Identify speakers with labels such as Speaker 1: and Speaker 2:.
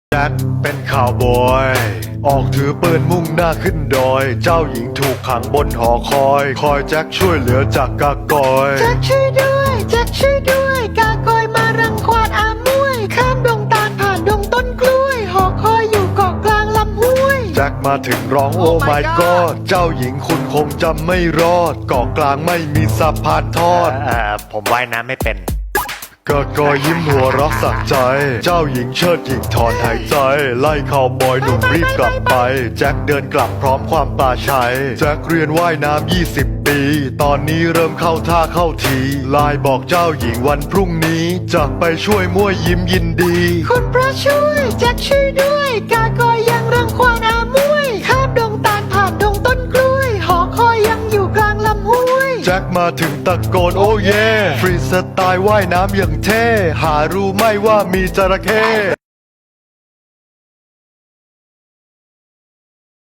Speaker 1: แจ็คเป็นข่าวบอยออกถือปืนมุ่งหน้าขึ้นดอยเจ้าหญิงถูกขังบนหอคอยแจ็คช่วยเหลือจากกากอย
Speaker 2: แจ็คช่วยด้วยแจ็คช่วยด้วยกากอยมารังควานอามวยข้ามดงตาลผ่านดงต้นกล้วยหอคอยอยู่เกาะกลางลำห้วย
Speaker 1: แจ็คมาถึงร้องโอ้ my god เจ้าหญิงคุณคงจำไม่รอดเกาะกลางไม่มีสะพานทอด
Speaker 3: ผมว่ายน้ำไม่เป็น
Speaker 1: กากอยยิ้มหัวเรักสักใจ เจ้าหญิงเชิดหญิงถอนหายใจ ไล่ข่าวบอยหนุ่มรีบกลับไป แจ็คเดินกลับพร้อมความปลาชัย แจ็คเรียนว่ายน้ำ20 ปี ตอนนี้เริ่มเข้าท่าเข้าทีไลน์บอกเจ้าหญิงวันพรุ่งนี้ จะไปช่วยมั่วยิ้มยินดี
Speaker 2: คุณพระช่วยแจ็คช่วยด้วยกากอยยังรังควานอามวยข้ามดงตาลผ่านดงต้นกล้วยหอคอยยังอยู่กลางลำห้วย
Speaker 1: แจ็คมาถึงตะโกนโอ้เย่ฟรีสไตล์ว่ายน้ำอย่างเท่ หารู้ไหม่ว่ามีจระเข้